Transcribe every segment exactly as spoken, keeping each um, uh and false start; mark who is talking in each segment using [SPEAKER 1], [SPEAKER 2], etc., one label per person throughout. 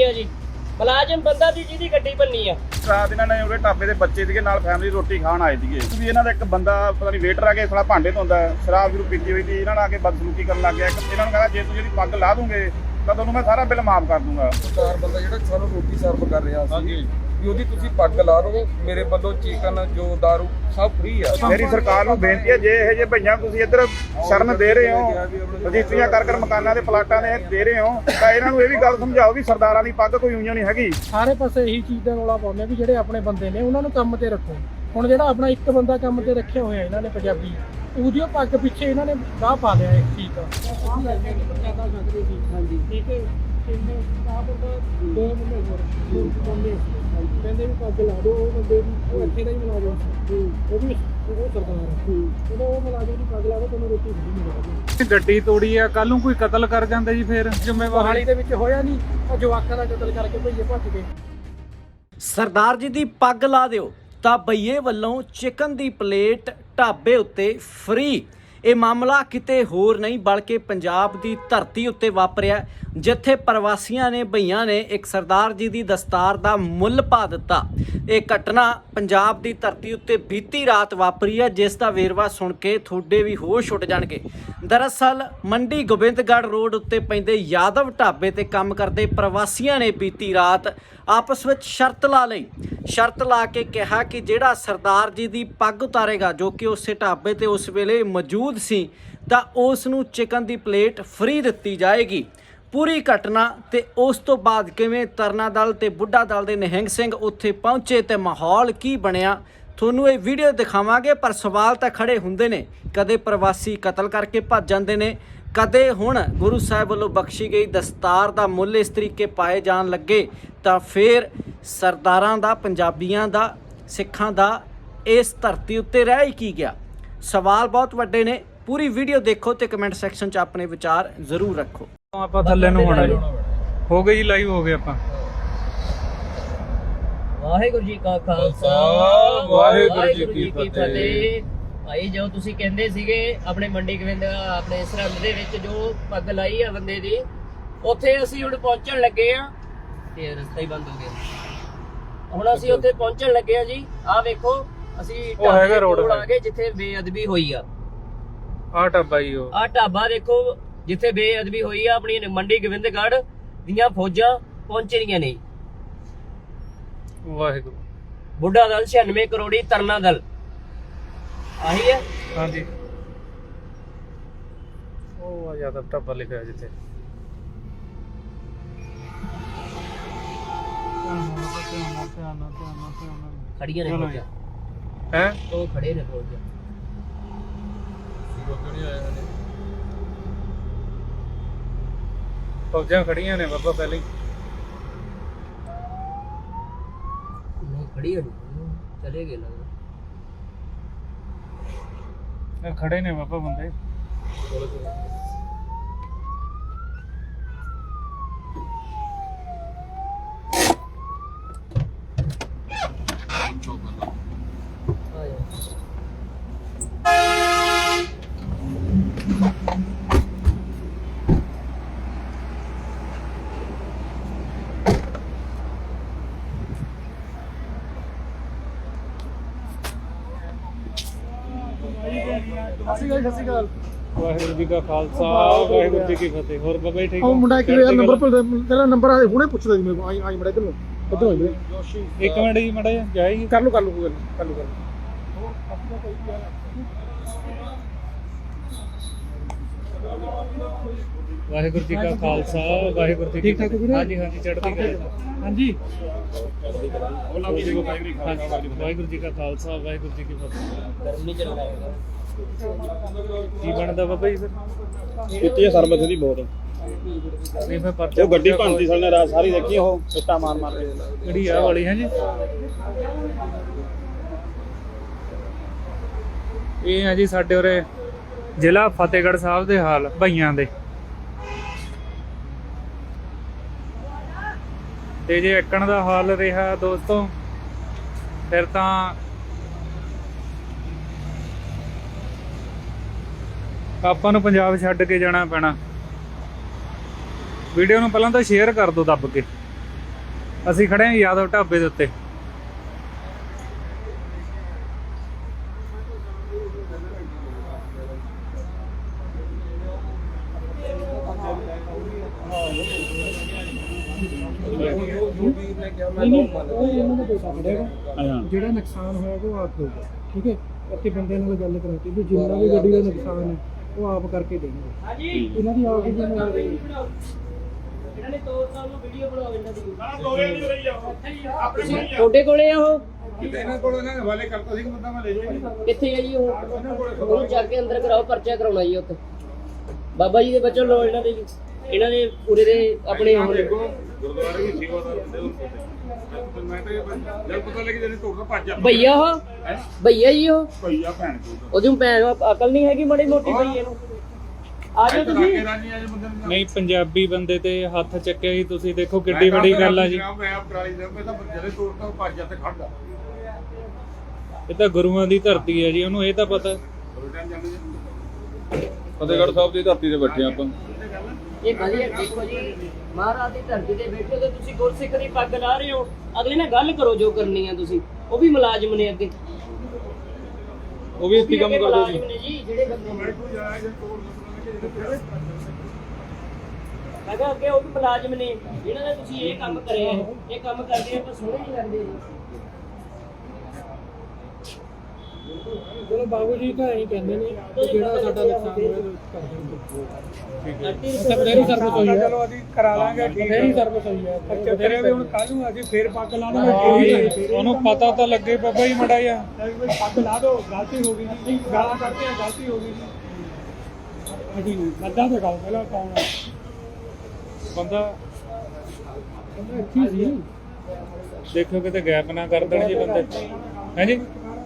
[SPEAKER 1] ਆ ਜੀ ਮੁਲਾਜ਼ਮ ਬੰਦਾ ਦੀ ਜਿਹਦੀ ਗੱਡੀ ਬੰਨੀ ਆ।
[SPEAKER 2] ਰਾਤ ਇਹਨਾਂ ਨੇ ਉਹਦੇ ਢਾਬੇ ਦੇ ਬੱਚੇ ਸੀਗੇ ਨਾਲ ਫੈਮਿਲੀ ਰੋਟੀ ਖਾਣ ਆਏ ਸੀਗੇ ਵੀ ਇਹਨਾਂ ਦਾ ਇੱਕ ਬੰਦਾ ਪਤਾ ਨਹੀਂ ਵੇਟਰ ਆ ਕੇ ਥੋੜਾ ਭਾਂਡੇ ਧੋਂਦਾ ਸ਼ਰਾਬ ਸ਼ੁਰੂ ਪੀਤੀ ਹੋਈ ਸੀ ਇਹਨਾਂ ਨਾਲ ਆ ਕੇ ਬਦਸਲੂਕੀ ਕਰਨ ਲੱਗ ਗਿਆ। ਇਹਨਾਂ ਨੂੰ ਕਹਿੰਦਾ ਜੇ ਤੂੰ ਜਿਹੜੀ ਪੱਗ ਲਾ ਦੂੰਗੇ ਤਾਂ ਤੁਹਾਨੂੰ ਮੈਂ ਸਾਰਾ ਬਿੱਲ ਮਾਫ ਕਰ ਦੂੰਗਾ।
[SPEAKER 3] ਸਰਦਾਰ ਬੰਦਾ ਜਿਹੜਾ ਸਾਨੂੰ ਰੋਟੀ ਸਰਵ ਕਰ ਰਿਹਾ ਸੀ ਵੀ ਉਹਦੀ ਤੁਸੀਂ ਪੱਗ ਲਾ ਲਓ, ਮੇਰੇ ਵੱਲੋਂ ਚਿਕਨ ਜੋ ਦਾਰੂ ਸਭ ਫ੍ਰੀ ਆ।
[SPEAKER 2] ਮੇਰੀ ਸਰਕਾਰ ਨੂੰ ਬੇਨਤੀ ਹੈ ਜੇ ਇਹ ਜੇ ਭਈਆਂ ਤੁਸੀਂ ਇੱਧਰ ਸ਼ਰਨ ਦੇ ਰਹੇ ਹੋ ਰਜਿਸਟਰੀਆਂ ਕਰ ਕਰ ਮਕਾਨਾਂ ਦੇ ਪਲਾਟਾਂ ਦੇ ਦੇ ਰਹੇ ਹੋ ਤਾਂ ਇਹਨਾਂ ਨੂੰ ਇਹ ਵੀ ਗੱਲ ਸਮਝਾਓ ਵੀ ਸਰਦਾਰਾਂ ਦੀ ਪੱਗ ਕੋਈ ਉਂਝ ਨਹੀਂ ਹੈਗੀ।
[SPEAKER 4] ਸਾਰੇ ਪਾਸੇ ਇਹੀ ਚੀਜ਼ ਦਾ ਰੌਲਾ ਪਾਉਂਦੇ ਵੀ ਜਿਹੜੇ ਆਪਣੇ ਬੰਦੇ ਨੇ ਉਹਨਾਂ ਨੂੰ ਕੰਮ ਤੇ ਰੱਖੋ। ਹੁਣ ਜਿਹੜਾ ਆਪਣਾ ਇੱਕ ਬੰਦਾ ਕੰਮ ਤੇ ਰੱਖਿਆ ਹੋਇਆ ਇਹਨਾਂ ਨੇ ਪੰਜਾਬੀ, ਉਹਦੀ ਪੱਗ ਪਿੱਛੇ ਇਹਨਾਂ ਨੇ ਗਾਹ ਪਾ ਲਿਆ ਇੱਕ ਚੀਜ਼ ਦਾ। ਹਾਂਜੀ ਠੀਕ ਹੈ ਕਹਿੰਦੇ ਆਹ ਬੰਦਾ ਦੋ ਬੰਦੇ ਹੋਰ ਬੰਦੇ ਕਹਿੰਦੇ ਵੀ ਪੱਗ ਲਾ ਦਿਓ, ਉਹ ਬੰਦੇ ਦੀ ਉਹ ਇੱਥੇ ਦਾ ਹੀ ਮੁਲਾਜ਼ਮ ਸੀ, ਉਹ ਵੀ ਉਹ ਸਰਦਾਰ ਉਹਦਾ ਉਹ ਮੁਲਾਜ਼ਮ ਦੀ ਪੱਗ ਲਾ ਦਿਓ ਤੁਹਾਨੂੰ ਰੋਟੀ ਨਹੀਂ ਮਿਲੇਗੀ।
[SPEAKER 5] ਗੱਡੀ ਤੋੜੀ ਆ, ਕੱਲ ਨੂੰ ਕੋਈ ਕਤਲ ਕਰ ਜਾਂਦਾ ਜੀ ਫਿਰ ਜ਼ਿੰਮੇਵਾਰੀ
[SPEAKER 4] ਦੇ ਵਿੱਚ ਹੋਇਆ ਨਹੀਂ, ਉਹ ਜਵਾਕਾਂ ਦਾ ਕਤਲ ਕਰਕੇ ਭਈਏ ਭੱਜ ਗਏ।
[SPEAKER 6] ਸਰਦਾਰ ਜੀ ਦੀ ਪੱਗ ਲਾ ਦਿਓ ਤਾਂ ਭਈਏ ਵੱਲੋਂ ਚਿਕਨ ਦੀ ਪਲੇਟ ਢਾਬੇ ਉੱਤੇ ਫ੍ਰੀ। ਇਹ ਮਾਮਲਾ ਕਿਤੇ ਹੋਰ ਨਹੀਂ ਬਲਕਿ ਪੰਜਾਬ ਦੀ ਧਰਤੀ ਉੱਤੇ ਵਾਪਰਿਆ, ਜਿੱਥੇ ਪ੍ਰਵਾਸੀਆਂ ਨੇ ਭਈਆਂ ਨੇ ਇੱਕ ਸਰਦਾਰ ਜੀ ਦੀ ਦਸਤਾਰ ਦਾ ਮੁੱਲ ਪਾ ਦਿੱਤਾ। ਇਹ ਘਟਨਾ ਪੰਜਾਬ ਦੀ ਧਰਤੀ ਉੱਤੇ ਬੀਤੀ ਰਾਤ ਵਾਪਰੀ ਹੈ, ਜਿਸ ਦਾ ਵੇਰਵਾ ਸੁਣ ਕੇ ਤੁਹਾਡੇ ਵੀ ਹੋਸ਼ ਉੱਡ ਜਾਣਗੇ। ਦਰਅਸਲ ਮੰਡੀ ਗੋਬਿੰਦਗੜ੍ਹ ਰੋਡ ਉੱਤੇ ਪੈਂਦੇ ਯਾਦਵ ਢਾਬੇ ਤੇ ਕੰਮ ਕਰਦੇ ਪ੍ਰਵਾਸੀਆਂ ਨੇ ਬੀਤੀ ਰਾਤ ਆਪਸ ਵਿੱਚ ਸ਼ਰਤ ਲਾ ਲਈ। ਸ਼ਰਤ ਲਾ ਕੇ ਕਿਹਾ ਕਿ ਜਿਹੜਾ ਸਰਦਾਰ ਜੀ ਦੀ ਪੱਗ ਉਤਾਰੇਗਾ, ਜੋ ਕਿ ਉਸੇ ਢਾਬੇ ਤੇ ਉਸ ਵੇਲੇ ਮੌਜੂਦ ਸੀ, ਤਾਂ ਉਸ ਨੂੰ ਚਿਕਨ ਦੀ ਪਲੇਟ ਫ੍ਰੀ ਦਿੱਤੀ ਜਾਏਗੀ। ਪੂਰੀ ਘਟਨਾ ਤੇ ਉਸ ਤੋਂ ਬਾਅਦ ਕਿਵੇਂ ਤਰਨਾ ਦਲ ਤੇ ਬੁੱਢਾ ਦਲ ਦੇ ਨਿਹੰਗ ਸਿੰਘ ਉੱਥੇ ਪਹੁੰਚੇ ਤੇ ਮਾਹੌਲ ਕੀ ਬਣਿਆ, ਤੁਹਾਨੂੰ ਇਹ ਵੀਡੀਓ ਦਿਖਾਵਾਂਗੇ। ਪਰ ਸਵਾਲ ਤਾਂ ਖੜੇ ਹੁੰਦੇ ਨੇ, ਕਦੇ ਪ੍ਰਵਾਸੀ ਕਤਲ ਕਰਕੇ ਭੱਜ ਜਾਂਦੇ ਨੇ, ਕਦੇ ਹੁਣ ਗੁਰੂ ਸਾਹਿਬ ਵੱਲੋਂ ਬਖਸ਼ੀ ਗਈ ਦਸਤਾਰ ਦਾ ਮੁੱਲ ਇਸ ਤਰੀਕੇ ਪਾਏ ਜਾਣ ਲੱਗੇ, ਤਾਂ ਫਿਰ ਸਰਦਾਰਾਂ ਦਾ, ਪੰਜਾਬੀਆਂ ਦਾ, ਸਿੱਖਾਂ ਦਾ ਇਸ ਧਰਤੀ ਉੱਤੇ ਰਹਿ ਹੀ ਕੀ ਗਿਆ। ਸਵਾਲ ਬਹੁਤ ਵੱਡੇ ਨੇ। ਪੂਰੀ ਵੀਡੀਓ ਦੇਖੋ ਤੇ ਕਮੈਂਟ ਸੈਕਸ਼ਨ 'ਚ ਆਪਣੇ ਵਿਚਾਰ ਜ਼ਰੂਰ ਰੱਖੋ।
[SPEAKER 5] ਆਪਾਂ ਥੱਲੇ ਨੂੰ ਹੋਣਾ ਜੀ, ਹੋ ਗਏ ਜੀ, ਲਾਈਵ ਹੋ ਗਏ ਆਪਾਂ।
[SPEAKER 1] ਵਾਹਿਗੁਰੂ ਜੀ ਕਾ ਖਾਲਸਾ
[SPEAKER 3] ਵਾਹਿਗੁਰੂ ਜੀ ਕੀ ਫਤਿਹ।
[SPEAKER 1] ਭਾਈ ਜੋ ਤੁਸੀਂ ਕਹਿੰਦੇ ਸੀਗੇ ਆਪਣੇ ਮੰਡੀ ਗੋਬਿੰਦ ਆਪਣੇ ਸਰਹੰਦ ਦੇ ਵਿੱਚ ਜੋ ਪੱਗ ਲਾਈ ਆ ਬੰਦੇ ਦੀ, ਉੱਥੇ ਅਸੀਂ ਹੁਣ ਪਹੁੰਚਣ ਲੱਗੇ ਆ ਤੇ ਰਸਤਾ ਹੀ ਬੰਦ ਹੋ ਗਿਆ। ਹੁਣ ਅਸੀਂ ਉੱਥੇ ਪਹੁੰਚਣ ਲੱਗੇ ਆ ਜੀ। ਆਹ ਵੇਖੋ ਅਸੀਂ
[SPEAKER 5] ਉਹ ਹੈਗਾ ਰੋਡ
[SPEAKER 1] ਆ ਗਏ ਜਿੱਥੇ ਬੇਅਦਬੀ ਹੋਈ ਆ।
[SPEAKER 5] ਆਹ ਢਾਬਾ ਜੀ, ਉਹ
[SPEAKER 1] ਆਹ ਢਾਬਾ ਦੇਖੋ ਜਿੱਥੇ ਬੇਅਦਬੀ ਹੋਈ ਆ। ਆਪਣੀ ਮੰਡੀ ਗੋਬਿੰਦਗੜ੍ਹ ਦੀਆਂ ਫੌਜਾਂ ਪਹੁੰਚ ਰਹੀਆਂ ਨੇ।
[SPEAKER 5] ਵਾਹਿਗੁਰੂ।
[SPEAKER 1] ਬੁੱਢਾ ਦਲ ਛਿਆਨਵੇਂ ਕਰੋੜੀ ਤਰਨਾ ਦਲ ਆਹੀ ਹੈ।
[SPEAKER 5] ਹਾਂਜੀ, ਉਹ ਆ ਯਾਦਵ ਢਾਬਾ ਲਿਖਿਆ ਜਿੱਥੇ।
[SPEAKER 1] ਖੜੀਆਂ ਨੇ ਫੌਜਾਂ,
[SPEAKER 5] ਹੈ
[SPEAKER 1] ਉਹ ਖੜੇ ਨੇ ਫੌਜਾਂ।
[SPEAKER 5] ਫੌਜਾਂ ਖੜੀਆਂ ਨੇ ਬਾਬਾ ਪਹਿਲਾਂ ਹੀ।
[SPEAKER 1] ਨਹੀਂ ਖੜੀ ਹੋਣੀ, ਚਲੇ ਗਏ ਲੱਗਦਾ।
[SPEAKER 5] ਇਹ ਖੜੇ ਨੇ ਬਾਬਾ ਬੰਦੇ। ਵਾਹਿਗੁਰੂ ਜੀ ਕਾ ਖਾਲਸਾ ਵਾਹਿਗੁਰੂ ਜੀ ਕੀ ਫਤਿਹ। ਹੋਰ ਬਾਬਾ ਜੀ ਠੀਕ ਹੋ?
[SPEAKER 4] ਉਹ ਮੁੰਡਾ ਇੱਕ ਯਾਰ ਨੰਬਰ ਪਰ ਤੇਰਾ ਨੰਬਰ ਆ ਹੁਣੇ ਪੁੱਛਦਾ ਜੀ ਮੈਨੂੰ। ਆਈ ਆਈ ਮੜਾ ਇਧਰ ਨੂੰ ਇਧਰ ਹੋ ਜਾ।
[SPEAKER 5] ਇੱਕ ਮਿੰਟ ਜੀ ਮੜਾ ਜਾ ਜਾਏਗੀ।
[SPEAKER 4] ਕਰ ਲੂ ਕਰ ਲੂ ਗੱਲ ਕਰ ਲੂ ਕਰ ਲੂ।
[SPEAKER 5] ਵਾਹਿਗੁਰੂ ਜੀ ਕਾ ਖਾਲਸਾ ਵਾਹਿਗੁਰੂ ਜੀ ਕੀ ਫਤਿਹ। ਹਾਂਜੀ ਹਾਂਜੀ ਚੜ੍ਹਦੀ ਕਲਾ। ਹਾਂਜੀ ਵਾਹਿਗੁਰੂ ਜੀ ਕਾ ਖਾਲਸਾ ਵਾਹਿਗੁਰੂ ਜੀ ਕੀ ਫਤਿਹ।
[SPEAKER 1] ਗਰਮੀ ਚ ਲਗਾਏਗਾ
[SPEAKER 5] ਕੀ ਬਣਦਾ ਬਾਬਾ ਜੀ ਫਿਰ?
[SPEAKER 2] ਕੀਤੀ ਹੈ ਸਰਬਤ ਦੀ ਬਹੁਤ।
[SPEAKER 5] ਨਹੀਂ ਫਿਰ ਪਰਚਾ
[SPEAKER 2] ਉਹ ਗੱਡੀ ਭੰਨਤੀ ਸਾਲੇ ਰਾਤ ਸਾਰੀ ਦੇਖੀ, ਉਹ ਸਿੱਟਾ ਮਾਰ ਮਾਰ ਕੇ।
[SPEAKER 5] ਕਿਹੜੀ ਆ ਵਾਲੀ ਹੈ ਜੀ? ਇਹ ਆ ਜੀ ਸਾਡੇ ਉਰੇ ਜ਼ਿਲ੍ਹਾ ਫਤਿਹਗੜ੍ਹ ਸਾਹਿਬ ਦੇ ਹਾਲ ਭਈਆਂ ਦੇ। ਤੇ ਜੇ ਇੱਕਣ ਦਾ ਹਾਲ ਰਿਹਾ ਦੋਸਤੋ, ਫਿਰ ਤਾਂ ਆਪਾਂ ਨੂੰ ਪੰਜਾਬ ਛੱਡ ਕੇ ਜਾਣਾ ਪੈਣਾ। ਵੀਡੀਓ ਨੂੰ ਪਹਿਲਾਂ ਤਾਂ ਸ਼ੇਅਰ ਕਰ ਦਿਓ ਦੱਬ ਕੇ। ਅਸੀਂ ਖੜੇ ਹਾਂ ਯਾਦਵ ਢਾਬੇ ਦੇ ਉੱਤੇ।
[SPEAKER 4] ਜਿਹੜਾ ਨੁਕਸਾਨ ਹੋਇਆ ਉਹ ਆਪ ਹੋਊਗਾ, ਠੀਕ ਹੈ। ਇੱਥੇ ਬੰਦੇ ਨਾਲ ਗੱਲ ਕਰਾਤੀ ਵੀ ਜਿੰਨਾ ਵੀ ਗੱਡੀ ਦਾ ਨੁਕਸਾਨ ਹੈ ਉਹ ਆਪ ਕਰਕੇ ਦੇਣਗੇ। ਇਹਨਾਂ ਦੀ ਆਪ ਹੀ ਜ਼ਿੰਮੇਵਾਰੀ ਹੈ।
[SPEAKER 1] ਇਹਨਾਂ ਨੇ ਤੋੜ ਸਾਹਿਬ ਨੂੰ ਵੀਡੀਓ ਬਣਾਓ ਇਹਨਾਂ ਦੀ। ਤੁਹਾਡੇ ਕੋਲੇ ਆ ਉਹ?
[SPEAKER 2] ਇਹਨਾਂ ਕੋਲ ਇਹਨਾਂ ਨੇ ਹਵਾਲੇ ਕਰਤਾ ਸੀ ਕਿ ਬੰਦਾ ਮੈਂ ਲੈ ਜਾਊਂਗਾ।
[SPEAKER 1] ਕਿੱਥੇ ਆ ਜੀ ਉਹ? ਉਹਨੂੰ ਚੱਕ ਕੇ ਅੰਦਰ ਕਰਾਓ, ਪਰਚਾ ਕਰਾਉਣਾ ਜੀ ਉੱਥੇ। ਬਾਬਾ ਜੀ ਦੇ ਬੱਚੋ ਲੋ ਇਹਨਾਂ ਦੇ ਜੀ। ਇਹਨਾਂ ਦੇ ਪੂਰੇ ਦੇ ਆਪਣੇ
[SPEAKER 2] ਗੁਰਦੁਆਰੇ ਵੀ ਸੇਵਾਦਾਰ ਹੁੰਦੇ ਉਹ। ਮੈਂ ਤਾਂ ਜਦ ਪਤਾ ਲੱਗੀ ਜਿਹਨੇ ਤੋੜਨਾ ਭੱਜ ਜਾ।
[SPEAKER 1] ਭਈਆ ਉਹ ਭਈਆ ਜੀ ਉਹ
[SPEAKER 2] ਭਈਆ ਭੈਣ ਕੋਲ
[SPEAKER 1] ਉਹਦੀ ਭੈਣ ਨੂੰ ਅਕਲ ਨਹੀਂ ਹੈਗੀ ਮਾੜੀ ਮੋਟੀ ਭਈਏ ਨੂੰ। ਆ ਜਾਓ ਤੁਸੀਂ।
[SPEAKER 5] ਨਹੀਂ ਪੰਜਾਬੀ ਬੰਦੇ ਤੇ ਹੱਥ ਚੱਕਿਆ ਜੀ ਤੁਸੀਂ, ਦੇਖੋ ਕਿੱਡੀ ਵੱਡੀ ਗੱਲ ਆ ਜੀ।
[SPEAKER 2] ਮੈਂ ਆਪ ਟਰਾਲੀ ਦੇ ਮੈਂ ਤਾਂ ਜਿਹੜੇ ਤੋੜਦਾ ਭੱਜ ਜਾ ਤੇ ਖੜਦਾ।
[SPEAKER 5] ਇਹ ਤਾਂ ਗੁਰੂਆਂ ਦੀ ਧਰਤੀ ਹੈ ਜੀ, ਉਹਨੂੰ ਇਹ ਤਾਂ ਪਤਾ।
[SPEAKER 3] ਫਤਿਹਗੜ੍ਹ ਸਾਹਿਬ ਦੀ ਧਰਤੀ ਤੇ ਬੈਠੇ ਆਪਾਂ।
[SPEAKER 1] ਇਹ ਵਧੀਆ ਦੇਖੋ ਜੀ, ਮਹਾਰਾਜ ਦੀ ਧਰਤੀ ਤੇ ਬੈਠੇ ਹੋ ਤੇ ਤੁਸੀਂ ਗੁਰਸਿੱਖ ਦੀ ਪੱਗ ਲਾ ਰਹੇ ਹੋ। ਅਗਲੇ ਨਾਲ ਗੱਲ ਕਰੋ ਜੋ ਕਰਨੀ ਆ ਤੁਸੀਂ। ਉਹ ਵੀ ਮੁਲਾਜ਼ਮ ਨੇ ਅੱਗੇ,
[SPEAKER 3] ਉਹ ਵੀ ਇੱਥੇ ਕੰਮ ਕਰਦੇ
[SPEAKER 1] ਮੁਲਾਜ਼ਮ ਨੇ ਜੀ ਜਿਹੜੇ ਬੰਦੇ ਮੈਂ ਕਿਹਾ ਅੱਗੇ ਉਹ ਵੀ ਮੁਲਾਜ਼ਮ ਨੇ ਜਿਹਨਾਂ ਨੇ ਤੁਸੀਂ ਇਹ ਕੰਮ ਕਰਿਆ। ਇਹ ਕੰਮ ਕਰਦੇ ਆਪਾਂ ਸੋਹਣੇ ਨਹੀਂ ਲੱਗਦੇ ਜੀ।
[SPEAKER 4] ਚਲੋ ਬਾਬੂ ਜੀ ਤਾਂ ਐਂ ਕਹਿੰਦੇ ਨੇ ਕਿ ਜਿਹੜਾ ਸਾਡਾ ਨੁਕਸਾਨ ਹੋਇਆ ਉਹ ਕਰ ਦੇਣਗੇ। ਫੇਰੀ ਸਰਵਿਸ ਹੋਈ ਹੈ। ਚਲੋ ਅਸੀਂ ਕਰਾ ਲਾਂਗੇ, ਫੇਰੀ ਸਰਵਿਸ ਹੋਈ ਹੈ। ਅੱਛਾ ਤੇਰੇ ਵੀ ਹੁਣ ਕੱਲ ਨੂੰ ਅਸੀਂ ਫੇਰ ਪੱਗ ਲਾ ਲਾਂਗੇ।
[SPEAKER 5] ਉਹਨੂੰ ਪਤਾ ਤਾਂ ਲੱਗੇ ਬਾਬਾ ਜੀ ਮੜਾ ਜਾ।
[SPEAKER 4] ਪੱਗ ਲਾ ਦੋ, ਗਲਤੀ ਹੋ ਗਈ ਜੀ। ਗਾਲਾਂ ਕੱਢਦੇ ਆ, ਗਲਤੀ ਹੋ ਗਈ ਜੀ। ਅਸੀਂ ਮੱਦਾ ਤੇ ਗਾਉਂ ਪਹਿਲਾਂ ਪਾਉਣਾ
[SPEAKER 5] ਬੰਦਾ
[SPEAKER 4] ਅੱਛੀ ਸੀ।
[SPEAKER 5] ਦੇਖੋ ਕਿਤੇ ਗੈਪ ਨਾ ਕਰ ਦੇਣ ਜੀ ਬੰਦੇ। ਹੈ ਜੀ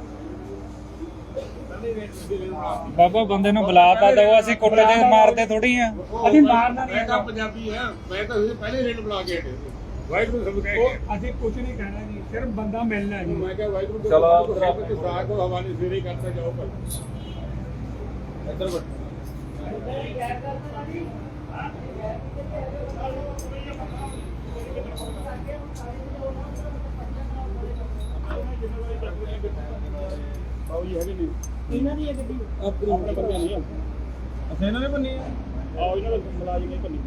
[SPEAKER 5] ਬਾਬਾ ਬੰਦੇ ਨੂੰ ਬੁਲਾ ਤਾਂ ਦਿਓ, ਅਸੀਂ ਕੁੱਟਦੇ ਮਾਰਦੇ ਥੋੜੀ ਆ।
[SPEAKER 4] ਅਸੀਂ ਮਾਰਨਾ ਨਹੀਂ।
[SPEAKER 2] ਮੈਂ ਤਾਂ ਪੰਜਾਬੀ ਆ, ਮੈਂ ਤਾਂ ਤੁਸੀਂ ਪਹਿਲੇ ਰੇਟ ਬੁਲਾ ਕੇ ਹਟੇ ਵਾਹਿਗੁਰੂ ਸਭ ਕਹਿ
[SPEAKER 4] ਉਹ ਅਸੀਂ ਕੁਝ ਨਹੀਂ ਕਹਿਣਾ ਜੀ, ਸਿਰਫ ਬੰਦਾ ਮਿਲਣਾ ਜੀ।
[SPEAKER 2] ਮੈਂ ਕਿਹਾ ਵਾਹਿਗੁਰੂ
[SPEAKER 3] ਚਲੋ
[SPEAKER 2] ਰੱਬ ਸਾਹ ਕੋ ਹਵਾਲੇ ਸਿਰੇ ਕਰਤਾ ਜਾਓ ਪਰ ਇੱਧਰ ਬੈਠੋ। ਆਓ ਜੀ ਹੈਗੇ ਨਹੀਂ
[SPEAKER 1] ਇਹਨਾਂ ਦੀ ਇਹ ਗੱਡੀ
[SPEAKER 2] ਆਪਣੇ ਬੰਦੇ ਨਹੀਂ ਆ। ਅਸੀਂ ਇਹਨਾਂ ਨੇ ਬੰਨੀ ਆ। ਆਓ ਇਹਨਾਂ ਦੇ ਮੁਲਾਜ਼ਮ ਨੇ ਬੰਨੀ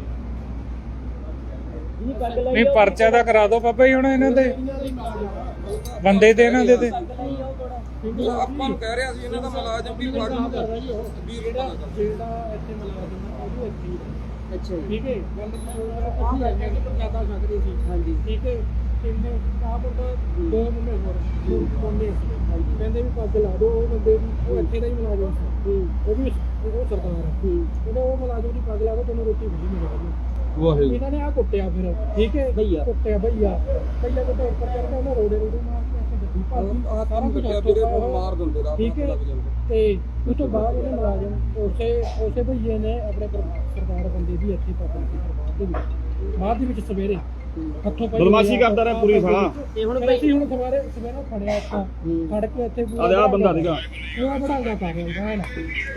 [SPEAKER 1] ਜੀ ਪੱਗ ਲਾਈ
[SPEAKER 5] ਨਹੀਂ ਪਰਚਾ ਤਾਂ ਕਰਾ ਦਿਓ ਬਾਬਾ ਜੀ ਹੁਣ ਇਹਨਾਂ ਦੇ ਬੰਦੇ ਤੇ ਇਹਨਾਂ ਦੇ ਤੇ।
[SPEAKER 3] ਆਪਾਂ ਨੂੰ ਕਹਿ ਰਿਹਾ ਸੀ ਇਹਨਾਂ ਦਾ ਮੁਲਾਜ਼ਮ ਵੀ
[SPEAKER 4] ਜਿਹੜਾ ਜਿਹੜਾ ਇੱਥੇ ਮੁਲਾਜ਼ਮ ਆ ਉਹ ਵੀ ਇੱਥੇ ਹੀ ਆ।
[SPEAKER 1] ਅੱਛਾ ਜੀ।
[SPEAKER 4] ਠੀਕ ਹੈ, ਗੱਲ ਅਸੀਂ ਆਏ ਕਿ ਪ੍ਰਸ਼ਾਦਾ ਛਕ ਰਹੇ ਸੀ।
[SPEAKER 1] ਹਾਂਜੀ
[SPEAKER 4] ਠੀਕ ਹੈ, ਕਿੰਨੇ ਆਪ ਉਹਦਾ ਦੋ ਮੁੰਡੇ ਹੋਰ ਕੋਨੇ ਸੀ। ਕਹਿੰਦੇ ਵੀ ਪੱਗ ਲਾ ਦਿਓ ਉਹ ਬੰਦੇ ਦੀ, ਉਹ ਇੱਥੇ ਦਾ ਹੀ ਮੁਲਾਜ਼ਮ ਸੀ। ਉਹ ਵੀ ਉਹ ਸਰਦਾਰ ਹੈ। ਕਹਿੰਦੇ ਉਹ ਮੁਲਾਜ਼ਮ ਦੀ ਪੱਗ ਲਾ ਦਿਓ ਤੁਹਾਨੂੰ ਰੋਟੀ ਮਿਲੀ ਮਿਲੇਗੀ।
[SPEAKER 3] ਵਾਹਿਗੁਰੂ
[SPEAKER 4] ਇਹਨਾਂ ਨੇ ਆ ਕੁੱਟਿਆ ਫਿਰ। ਠੀਕ ਹੈ,
[SPEAKER 1] ਭਈਆ।
[SPEAKER 4] ਕੁੱਟਿਆ ਭਈਆ। ਪਹਿਲਾਂ ਤਾਂ ਉੱਪਰ ਚੜ੍ਹਦਾ ਉਹਨਾਂ ਰੋੜੇ ਰੋੜੇ ਮਾਰ ਕੇ ਇੱਥੇ ਗੱਡੀ ਭਰਤੀ।
[SPEAKER 3] ਆਹ ਕੰਮ ਕੱਟਿਆ ਵੀਰੇ, ਮਾਰ ਦਿੰਦੇ ਰਾਤ
[SPEAKER 4] ਠੀਕ ਹੈ, ਤੇ ਉਸ ਤੋਂ ਬਾਅਦ ਉਹਨੇ ਮੁਲਾਜ਼ਮ ਉਸੇ ਉਸੇ ਭਈਏ ਨੇ ਆਪਣੇ ਪਰ- ਸਰਦਾਰ ਬੰਦੇ ਦੀ ਇੱਥੇ ਪਕੜ ਕੇ ਬਾਅਦ ਦੇ ਵਿੱਚ ਬਾਅਦ ਦੇ ਵਿੱਚ ਸਵੇਰੇ ਹੱਥੋਂ ਪਾਈ
[SPEAKER 2] ਬਦਮਾਸ਼ੀ ਕਰਦਾ ਰਿਹਾ ਪੂਰੀ ਸਾਲਾ।
[SPEAKER 1] ਤੇ ਹੁਣ
[SPEAKER 4] ਫਿਰ ਅਸੀਂ ਹੁਣ ਸਵੇਰੇ ਸਵੇਰੇ ਫੜਿਆ ਇੱਥੋਂ ਫੜ ਕੇ ਇੱਥੇ
[SPEAKER 2] ਆਹ ਆਹ ਬੰਦਾ ਸੀਗਾ।
[SPEAKER 4] ਪੂਰਾ ਬੜਾਂਗਾ ਕਰ ਰਿਹਾ ਹੈ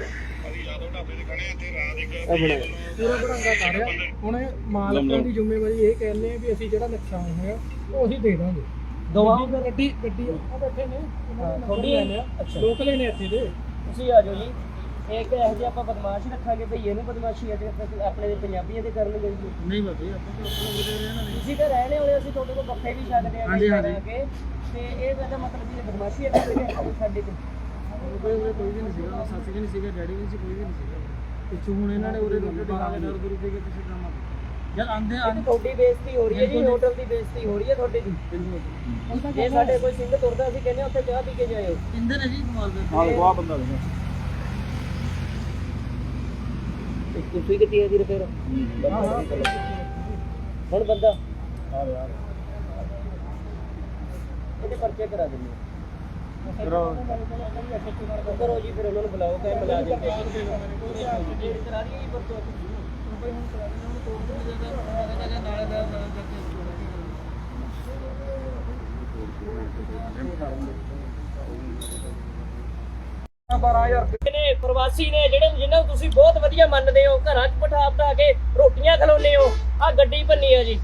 [SPEAKER 4] ਪੂਰਾ ਬੜਾਂਗਾ ਕਰ ਰਿਹਾ। ਹੁਣ ਇਹ ਮਾਲਕਾਂ ਦੀ ਜ਼ਿੰਮੇਵਾਰੀ ਇਹ ਕਹਿੰਦੇ ਆ ਵੀ ਅਸੀਂ ਜਿਹੜਾ ਨੁਕਸਾਨ ਹੋਇਆ ਉਹ ਅਸੀਂ ਦੇ ਦਾਂਗੇ।
[SPEAKER 1] ਦਵਾਓ
[SPEAKER 4] ਗੱਡੀ ਗੱਡੀ ਆ ਬੈਠੇ ਨੇ
[SPEAKER 1] ਤੁਹਾਡੀ
[SPEAKER 4] ਅੱਛਾ ਲੋਕਲੇ ਨੇ ਇੱਥੇ ਦੇ।
[SPEAKER 1] ਤੁਸੀਂ ਆ ਜਾਓ ਜੀ। ਇੱਕ ਇਹੋ ਜਿਹੇ ਆਪਾਂ ਬਦਮਾਸ਼ ਰੱਖਾਂਗੇ ਭਈਏ ਨੂੰ ਬਦਮਾਸ਼ੀ ਅੱਜ ਆਪਣੇ ਦੇ ਪੰਜਾਬੀਆਂ ਦੇ ਕਰਨਗੇ ਜੀ।
[SPEAKER 4] ਨਹੀਂ ਬਾਬੇ ਆਪਾਂ ਤਾਂ ਆਪਣੇ ਦੇ ਰਹਿਣਾ ਨਹੀਂ।
[SPEAKER 1] ਤੁਸੀਂ ਤਾਂ ਰਹਿਣੇ ਵਾਲੇ, ਅਸੀਂ ਤੁਹਾਡੇ ਕੋਲ ਬੱਫੇ ਵੀ ਛੱਡਦੇ ਆ
[SPEAKER 4] ਹਾਂਜੀ,
[SPEAKER 1] ਕਈ
[SPEAKER 4] ਹਾਂਜੀ।
[SPEAKER 1] ਤਰ੍ਹਾਂ ਕੇ। ਤੇ ਇਹ ਤਾਂ ਮਤਲਬ ਜੀ ਬਦਮਾਸ਼ੀ ਹੈ ਕਿ ਸਾਡੇ ਤੇ
[SPEAKER 4] ਕੋਈ ਉਰੇ ਕੋਈ ਵੀ ਨਹੀਂ ਸੀਗਾ, ਸੱਸ ਵੀ ਨਹੀਂ ਸੀਗਾ, ਡੈਡੀ ਵੀ ਨਹੀਂ ਸੀ, ਕੋਈ ਵੀ ਨਹੀਂ ਸੀਗਾ। ਪਿੱਛੋਂ ਹੁਣ ਇਹਨਾਂ ਨੇ ਉਰੇ ਰੋਟੀ ਖਾ ਕੇ ਡਰ ਗੁਰੂ ਦੇ ਕੇ ਕਿਸੇ ਕੰਮ ਆ ਜਦ ਆਂਦੇ
[SPEAKER 1] ਇਹ ਤਾਂ ਤੁਹਾਡੀ ਬੇਇੱਜ਼ਤੀ ਹੋ ਰਹੀ ਹੈ ਜੀ, ਹੋਟਲ ਦੀ ਬੇਇੱਜ਼ਤੀ ਹੋ ਰਹੀ ਹੈ ਤੁਹਾਡੇ ਦੀ। ਜੇ ਸਾਡੇ ਕੋਈ ਸਿੰਘ ਤੁਰਦਾ ਅਸੀਂ ਕਹਿੰਦੇ ਉੱਥੇ ਚਾਹ ਪੀ ਕੇ ਜਾਇਓ।
[SPEAKER 4] ਇੰਦੇ ਨੇ ਜੀ ਕਮਾਲ ਦੇ
[SPEAKER 2] ਆਹ ਦੇਖੋ ਆਹ ਬੰਦਾ ਦੇਖੋ।
[SPEAKER 1] ਤੇ ਕੁਰਸੀ ਕਿੱਥੇ ਹੈ ਜੀ ਫਿਰ ਹੁਣ ਬੰਦਾ
[SPEAKER 2] ਆ ਯਾਰ
[SPEAKER 1] ਇਹਦੇ ਪਰਚੇ ਕਰਾ ਦਿੰਦੇ
[SPEAKER 2] ਕਰੋ।
[SPEAKER 1] ਕਰੋ ਜੀ, ਫਿਰ ਉਹਨਾਂ ਨੂੰ ਬੁਲਾਓ ਕਹੇ ਮੁਲਾਜ਼ਮ ਤੇ ਕਰਾ ਦਈਏ ਜੀ ਪਰਚਾ।
[SPEAKER 3] ਬਾਰਾਂ ਹਜ਼ਾਰ
[SPEAKER 1] ਨੇ ਪ੍ਰਵਾਸੀ ਨੇ ਜਿਹੜੇ ਜਿਹਨਾਂ ਨੂੰ ਤੁਸੀਂ ਬਹੁਤ ਵਧੀਆ ਮੰਨਦੇ ਹੋ, ਘਰਾਂ 'ਚ ਬਿਠਾ ਬਿਠਾ ਕੇ ਰੋਟੀਆਂ ਖਿਲਾਉਂਦੇ ਹੋ। ਆ ਗੱਡੀ ਭੰਨੀ ਆ ਜੀ,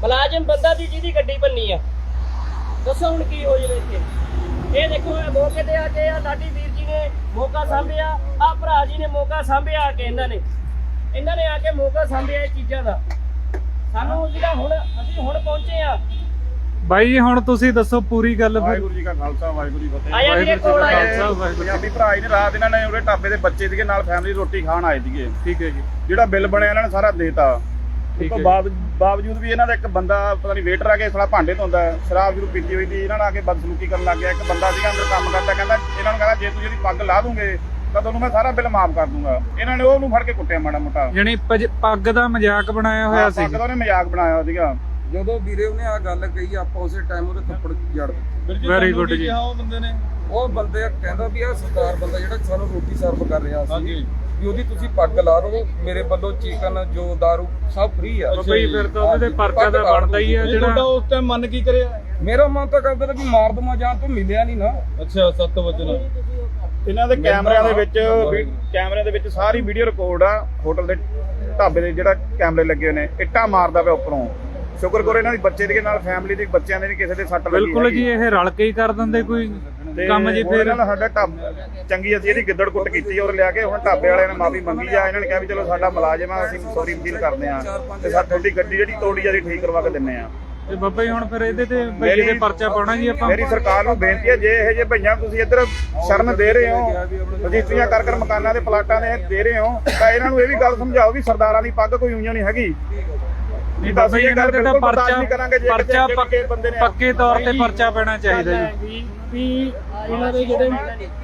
[SPEAKER 1] ਮੁਲਾਜ਼ਮ ਬੰਦਾ ਦੀ ਜਿਹਦੀ ਗੱਡੀ ਬੰਨੀ ਆ, ਦੱਸੋ ਹੁਣ ਕੀ ਹੋ ਜਾਵੇ ਇੱਥੇ। ਇਹ ਦੇਖੋ ਇਹ ਮੌਕੇ ਤੇ ਆ ਕੇ ਆ ਲਾਡੀ ਵੀਰ ਜੀ ਨੇ ਮੌਕਾ ਸਾਂਭਿਆ, ਆ ਭਰਾ ਜੀ ਨੇ ਮੌਕਾ ਸਾਂਭਿਆ ਆ ਕੇ, ਇਹਨਾਂ ਨੇ ਇਹਨਾਂ ਨੇ ਆ ਕੇ ਮੌਕਾ ਸਾਂਭਿਆ ਇਹ ਚੀਜ਼ਾਂ ਦਾ। ਸਾਨੂੰ ਜਿਹੜਾ ਹੁਣ ਅਸੀਂ ਹੁਣ ਪਹੁੰਚੇ ਆ।
[SPEAKER 5] ਬਾਈ ਜੀ ਹੁਣ ਤੁਸੀਂ ਦੱਸੋ ਪੂਰੀ ਗੱਲ ਫਿਰ।
[SPEAKER 2] ਵਾਹਿਗੁਰੂ ਜੀ ਕਾ ਖਾਲਸਾ ਵਾਹਿਗੁਰੂ ਜੀ ਕੀ ਫਤਿਹ।
[SPEAKER 1] ਆਇਆ ਵੀਰੇ ਕੋਲ ਆਇਆ।
[SPEAKER 2] ਪੰਜਾਬੀ ਭਰਾ ਜੀ ਨੇ ਰਾਤ ਇਹਨਾਂ ਨੇ ਉਹਦੇ ਢਾਬੇ ਦੇ ਬੱਚੇ ਸੀਗੇ ਨਾਲ ਫੈਮਿਲੀ ਰੋਟੀ ਖਾਣ ਆਏ ਸੀਗੇ।
[SPEAKER 5] ਠੀਕ ਹੈ ਜੀ।
[SPEAKER 2] ਜਿਹੜਾ ਬਿੱਲ ਬਣਿਆ ਇਹਨਾਂ ਨੇ ਸਾਰਾ ਦੇਤਾ। ਉਸ
[SPEAKER 5] ਠੀਕ
[SPEAKER 2] ਤੋਂ
[SPEAKER 5] ਹੈ।
[SPEAKER 2] ਬਾਅਦ ਬਾਵਜੂਦ ਵੀ ਇਹਨਾਂ ਦਾ ਇੱਕ ਬੰਦਾ ਪਤਾ ਨਹੀਂ ਵੇਟਰ ਆ ਕੇ ਸਾਲਾ ਭਾਂਡੇ ਧੋਂਦਾ, ਸ਼ਰਾਬ ਜਰੂਰ ਪੀਤੀ ਹੋਈ ਸੀ, ਇਹਨਾਂ ਨਾਲ ਆ ਕੇ ਬਦਸਲੂਕੀ ਕਰਨ ਲੱਗ ਗਿਆ। ਇੱਕ ਬੰਦਾ ਸੀਗਾ ਅੰਦਰ ਕੰਮ ਕਰਦਾ, ਕਹਿੰਦਾ ਇਹਨਾਂ ਨੂੰ ਕਹਿੰਦਾ ਜੇ ਤੁਸੀਂ ਇਹਦੀ ਪੱਗ ਲਾ ਦੂੰਗੇ ਤਾਂ ਤੁਹਾਨੂੰ ਮੈਂ ਸਾਰਾ ਬਿੱਲ ਮਾਫ ਕਰ ਦੂੰਗਾ। ਇਹਨਾਂ ਨੇ ਉਹਨੂੰ ਫੜ ਕੇ ਕੁੱਟਿਆ ਮਾੜਾ ਮੋਟਾ।
[SPEAKER 5] ਯਾਨੀ ਪਜ- ਪੱਗ ਦਾ ਮਜ਼ਾਕ ਬਣਾਇਆ ਹੋਇਆ ਸੀ।
[SPEAKER 2] ਪੱਗ ਦਾ ਉਹਨੇ ਮਜ਼ਾਕ ਬਣਾਇਆ ਹੋਇਆ ਸੀਗਾ।
[SPEAKER 3] ਜਦੋਂ ਵੀਰੇ ਉਹਨੇ ਆ ਗੱਲ ਕਹੀ ਆਪਾਂ ਉਸੇ ਟਾਈਮ ਉਹਦੇ ਥੱਪੜ ਜੜ ਦਿੱਤੇ।
[SPEAKER 5] ਵੈਰੀ ਗੁੱਡ ਜੀ।
[SPEAKER 3] ਉਹ ਬੰਦੇ ਨੇ ਉਹ ਬੰਦੇ ਕਹਿੰਦਾ ਵੀ ਆ ਸਰਦਾਰ ਬੰਦਾ ਜਿਹੜਾ ਸਾਨੂੰ ਰੋਟੀ ਸਰਵ ਕਰ ਰਿਹਾ ਸੀ ਵੀ ਉਹਦੀ ਤੁਸੀਂ ਪੱਗ ਲਾ ਦਿਓ, ਮੇਰੇ ਵੱਲੋਂ ਚਿਕਨ ਜੋ ਦਾਰੂ ਸਭ ਫ੍ਰੀ ਆ।
[SPEAKER 5] ਬਈ ਫਿਰ ਤਾਂ ਉਹਦੇ ਤੇ ਪਰਚਾ ਦਾ ਬਣਦਾ ਹੀ ਆ ਜਿਹੜਾ।
[SPEAKER 3] ਉਸ ਟਾਈਮ ਮਨ ਕੀ ਕਰਿਆ? ਮੇਰਾ ਮਨ ਤਾਂ ਕਰਦਾ ਵੀ ਮਾਰ ਦਮਾ ਜਾਨ ਤੋਂ ਮਿਲਿਆ ਨਹੀਂ ਨਾ। ਅੱਛਾ ਸੱਤ ਵਜੇ ਨਾਲ
[SPEAKER 2] ਇਹਨਾਂ ਦੇ ਕੈਮਰਿਆਂ ਦੇ ਵਿੱਚ ਕੈਮਰਿਆਂ ਦੇ ਵਿੱਚ ਸਾਰੀ ਵੀਡੀਓ ਰਿਕਾਰਡ ਆ। ਹੋਟਲ ਦੇ ਢਾਬੇ ਦੇ ਜਿਹੜਾ ਕੈਮਰੇ ਲੱਗੇ ਹੋਏ ਨੇ, ਇੱਟਾਂ ਮਾਰਦਾ ਪਿਆ ਉੱਪਰੋਂ। ਸ਼ੁਕਰ ਕਰੋ ਇਹਨਾਂ ਦੀ ਬੱਚੇ ਦੇ ਨਾਲ ਫੈਮਿਲੀ ਦੇ ਬੱਚਿਆਂ ਦੇ ਨਹੀਂ ਕਿਸੇ ਦੇ ਸੱਟ ਲੱਗੀ।
[SPEAKER 5] ਬਿਲਕੁਲ ਜੀ, ਇਹ ਰਲ ਕੇ ਹੀ ਕਰ ਦਿੰਦੇ ਕੋਈ ਕੰਮ ਜੀ। ਫਿਰ
[SPEAKER 2] ਇਹਨਾਂ ਸਾਡਾ ਢਾਬਾ ਚੰਗੀ ਅਸੀਂ ਇਹਦੀ ਗਿੱਦੜ ਕੁੱਟ ਕੀਤੀ ਔਰ ਲਿਆ ਕੇ ਹੁਣ ਢਾਬੇ ਵਾਲਿਆਂ ਨੇ ਮਾਫੀ ਮੰਗੀ ਆ। ਇਹਨਾਂ ਨੇ ਕਿਹਾ ਵੀ ਚਲੋ ਸਾਡਾ ਮੁਲਾਜ਼ਮ ਆ, ਅਸੀਂ ਸੌਰੀ ਫੀਲ ਕਰਦੇ ਆ ਤੇ ਸਾਡੀ ਗੱਡੀ ਜਿਹੜੀ ਤੋੜੀ ਆ ਠੀਕ ਕਰਵਾ ਕੇ ਦਿੰਨੇ ਆ।
[SPEAKER 5] ਤੇ ਬਾਬਾ ਜੀ ਹੁਣ ਫਿਰ ਇਹਦੇ ਤੇ ਬਈ ਦੇ ਪਰਚਾ ਪਾਉਣਾ ਜੀ ਆਪਾਂ।
[SPEAKER 2] ਮੇਰੀ ਸਰਕਾਰ ਨੂੰ ਬੇਨਤੀ ਹੈ, ਜੇ ਇਹ ਜੇ ਭਈਆਂ ਤੁਸੀਂ ਇੱਧਰ ਸ਼ਰਨ ਦੇ ਰਹੇ ਹੋ, ਰਜਿਸਟਰੀਆਂ ਕਰ ਕਰ ਮਕਾਨਾਂ ਦੇ ਪਲਾਟਾਂ ਦੇ ਦੇ ਰਹੇ ਹੋ, ਤਾਂ ਇਹਨਾਂ ਨੂੰ ਇਹ ਵੀ ਗੱਲ ਸਮਝਾਓ ਵੀ ਸਰਦਾਰਾਂ ਦੀ ਪੱਗ ਕੋਈ ਉਈਆਂ ਨਹੀਂ ਹੈਗੀ।
[SPEAKER 5] ਨਹੀਂ ਬਾਬਾ ਜੀ ਇਹਨਾਂ ਤੇ ਤਾਂ ਪਰਚਾ ਪਰਚਾ
[SPEAKER 2] ਪੱਕੇ ਬੰਦੇ ਨੇ
[SPEAKER 5] ਪੱਕੇ ਤੌਰ ਤੇ ਪਰਚਾ ਪੈਣਾ ਚਾਹੀਦਾ ਜੀ।
[SPEAKER 4] ਵੀ ਵੀ ਇਹਨਾਂ ਦੇ ਜਿਹੜੇ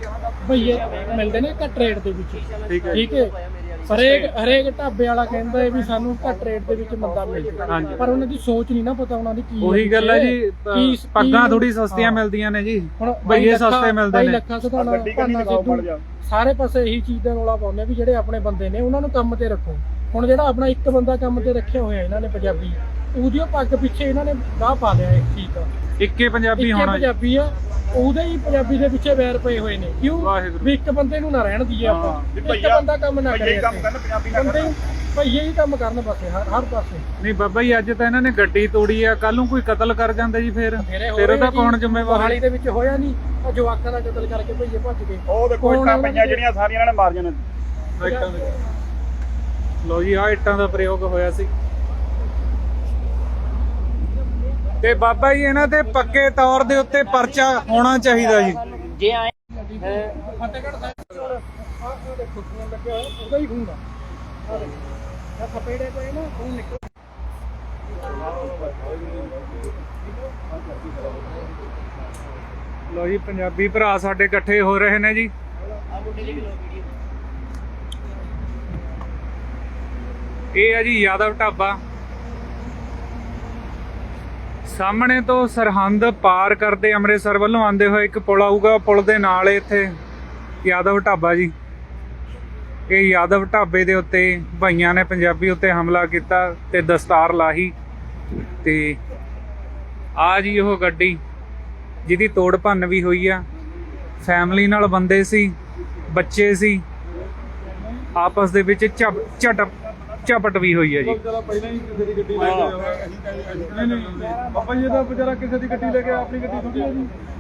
[SPEAKER 4] ਭਈਏ ਮਿਲਦੇ ਨੇ ਘੱਟ ਰੇਟ ਦੇ ਵਿੱਚ,
[SPEAKER 5] ਠੀਕ ਹੈ।
[SPEAKER 4] ਠੀਕ ਹੈ। ਹਰੇਕ ਹਰੇਕ ਢਾਬੇ ਵਾਲਾ ਕਹਿੰਦਾ ਹੈ ਵੀ ਸਾਨੂੰ ਘੱਟ ਰੇਟ ਦੇ ਵਿੱਚ ਬੰਦਾ ਮਿਲ ਜਾਵੇ,
[SPEAKER 5] ਹਾਂਜੀ।
[SPEAKER 4] ਪਰ ਉਹਨਾਂ ਦੀ ਸੋਚ ਨਹੀਂ ਨਾ ਪਤਾ ਉਹਨਾਂ ਦੀ ਕੀ
[SPEAKER 5] ਉਹੀ ਗੱਲ ਹੈ ਜੀ,
[SPEAKER 4] ਕੀ-
[SPEAKER 5] ਪੱਗਾਂ
[SPEAKER 4] ਕੀ-
[SPEAKER 5] ਥੋੜੀ ਸਸਤੀਆਂ
[SPEAKER 4] ਹਾਂ।
[SPEAKER 5] ਮਿਲਦੀਆਂ ਨੇ ਜੀ,
[SPEAKER 4] ਹੁਣ
[SPEAKER 5] ਭਈਏ
[SPEAKER 4] ਲੱਖਾਂ-
[SPEAKER 5] ਸਸਤੇ ਮਿਲਦੇ
[SPEAKER 4] ਬਾਈ
[SPEAKER 5] ਨੇ।
[SPEAKER 4] ਲੱਖਾਂ ਸਧਾਣਾ
[SPEAKER 2] ਗੱਡੀ ਕਿੰਨੀ
[SPEAKER 4] ਭਾਨਾ
[SPEAKER 2] ਲਗਾਓ ਮੜ
[SPEAKER 4] ਸਿੱਧੂ
[SPEAKER 2] ਜਾ।
[SPEAKER 4] ਸਾਰੇ ਪਾਸੇ ਇਹੀ ਚੀਜ਼ ਦਾ ਰੌਲਾ ਪਾਉਂਦੇ ਵੀ ਜਿਹੜੇ ਆਪਣੇ ਬੰਦੇ ਨੇ ਉਹਨਾਂ ਨੂੰ ਕੰਮ ਤੇ ਰੱਖੋ। ਹੁਣ ਜਿਹੜਾ ਆਪਣਾ ਇੱਕ ਬੰਦਾ ਕੰਮ ਤੇ ਰੱਖਿਆ ਹੋਇਆ ਇਹਨਾਂ ਨੇ ਪੰਜਾਬੀ, ਉਹਦੀ ਉਹ ਪੱਗ ਪਿੱਛੇ ਇਹਨਾਂ ਨੇ ਗਾਹ ਪਾ ਲਿਆ ਇੱਕ ਚੀਜ਼ ਦਾ।
[SPEAKER 5] ਇੱਕੇ ਪੰਜਾਬੀ
[SPEAKER 4] ਇੱਕੇ
[SPEAKER 5] ਹੋਣਾ ਜੀ।
[SPEAKER 4] ਪੰਜਾਬੀ ਆ, ਉਹਦੇ ਹੀ ਪੰਜਾਬੀ ਦੇ ਪਿੱਛੇ ਵੈਰ ਪਏ ਹੋਏ ਨੇ। ਕਿਉਂ?
[SPEAKER 5] ਵਾਹਿਗੁਰੂ।
[SPEAKER 4] ਵੀ ਇੱਕ ਬੰਦੇ ਨੂੰ ਨਾ ਰਹਿਣ ਦਈਏ ਆਪਾਂ,
[SPEAKER 2] ਵੀ
[SPEAKER 4] ਇੱਕ
[SPEAKER 2] ਭਈਆ-
[SPEAKER 4] ਬੰਦਾ ਕੰਮ ਨਾ
[SPEAKER 2] ਭਈਆ
[SPEAKER 4] ਕਰੇ।
[SPEAKER 2] ਹੀ ਕੰਮ ਕਰਨ, ਪੰਜਾਬੀ ਨਾ
[SPEAKER 4] ਬੰਦੇ
[SPEAKER 2] ਕਰਨ।
[SPEAKER 4] ਭਈਏ ਹੀ ਕੰਮ ਕਰਨ ਪਾਸੇ ਹਰ ਹਰ ਪਾਸੇ।
[SPEAKER 5] ਨਹੀਂ ਬਾਬਾ ਜੀ, ਅੱਜ ਤਾਂ ਇਹਨਾਂ ਨੇ ਗੱਡੀ ਤੋੜੀ ਆ, ਕੱਲ ਨੂੰ ਕੋਈ ਕਤਲ ਕਰ ਜਾਂਦਾ ਜੀ, ਫਿਰ
[SPEAKER 4] ਮੇਰੇ
[SPEAKER 5] ਫਿਰ ਉਹਦਾ ਕੌਣ ਜ਼ਿੰਮੇਵਾਰ?
[SPEAKER 4] ਹਾਲੀ ਦੇ ਵਿੱਚ ਹੋਇਆ ਨਹੀਂ, ਉਹ ਜਵਾਕਾਂ ਦਾ ਕਤਲ ਕਰਕੇ ਭਈਏ ਭੱਜ ਗਏ।
[SPEAKER 2] ਉਹ ਦੇਖੋ
[SPEAKER 4] ਕੌਣ
[SPEAKER 2] ਇੱਟਾਂ
[SPEAKER 4] ਉਹਨਾਂ
[SPEAKER 2] ਪਈਆਂ
[SPEAKER 4] ਦੇ-
[SPEAKER 2] ਜਿਹੜੀਆਂ ਸਾਰੀਆਂ ਇਹਨਾਂ ਨੇ ਮਾਰੀਆਂ ਨੇ।
[SPEAKER 5] ਇੱਟਾਂ ਦੇ। ਲਓ ਜੀ, ਆਹ ਇੱਟਾਂ ਦਾ ਪ੍ਰਯੋਗ ਹੋਇਆ ਸੀ। ਤੇ ਬਾਬਾ ਜੀ ਇਹਨਾਂ ਤੇ ਪੱਕੇ ਤੌਰ ਦੇ ਉੱਤੇ ਪਰਚਾ ਹੋਣਾ ਚਾਹੀਦਾ ਜੀ।
[SPEAKER 1] ਜੇ ਆਏ
[SPEAKER 4] ਫਤਿਹਗੜ੍ਹ ਸਾਹਿਬ ਹੁਣ ਆਹ ਆਹ ਦੇਖੋ ਖੂਨ ਲੱਗਿਆ ਹੋਇਆ, ਉਹਦਾ ਹੀ ਖੂਨ ਆ। ਆਹ ਦੇਖੋ, ਆਹ ਥਪੇੜੇ ਪਏ ਨਾ, ਖੂਨ ਨਿਕਲ।
[SPEAKER 5] ਲਓ ਜੀ, ਪੰਜਾਬੀ ਭਰਾ ਸਾਡੇ ਇਕੱਠੇ ਹੋ ਰਹੇ ਨੇ ਜੀ।
[SPEAKER 1] ਆ ਮੁੰਡੇ ਦੀ ਵੀ ਲੋ ਵੀਡੀਓ।
[SPEAKER 5] ਇਹ ਹੈ ਜੀ ਯਾਦਵ ਢਾਬਾ। ਸਾਹਮਣੇ ਤੋਂ ਸਰਹੰਦ ਪਾਰ ਕਰਦੇ ਅੰਮ੍ਰਿਤਸਰ ਵੱਲੋਂ ਆਉਂਦੇ ਹੋਏ ਇੱਕ ਪੁਲ ਆਊਗਾ, ਪੁਲ ਦੇ ਨਾਲ ਇੱਥੇ ਯਾਦਵ ਢਾਬਾ ਜੀ। ਇਹ ਯਾਦਵ ਢਾਬੇ ਦੇ ਉੱਤੇ ਭਾਈਆਂ ਨੇ ਪੰਜਾਬੀ ਉੱਤੇ ਹਮਲਾ ਕੀਤਾ ਤੇ ਦਸਤਾਰ ਲਾਹੀ। ਤੇ ਆ ਜੀ ਉਹ ਗੱਡੀ ਜਿਹਦੀ ਤੋੜ ਭੰਨ ਵੀ ਹੋਈ ਆ। ਫੈਮਿਲੀ ਨਾਲ ਬੰਦੇ ਸੀ, ਬੱਚੇ ਸੀ, ਆਪਸ ਦੇ ਵਿੱਚ ਝਪ ਝਟਪ ਝਪਟ ਵੀ ਹੋਈ ਹੈ ਜੀ।
[SPEAKER 3] ਪਹਿਲਾਂ ਹੀ ਕਿਸੇ ਦੀ ਗੱਡੀ ਲੈ ਕੇ ਆਇਆ। ਨਹੀਂ ਨਹੀਂ ਬਾਬਾ ਜੀ ਦਾ ਵਿਚਾਰਾ ਕਿਸੇ ਦੀ ਗੱਡੀ ਲੈ ਕੇ ਆਪਣੀ ਗੱਡੀ ਥੋੜੀ ਆ ਜੀ।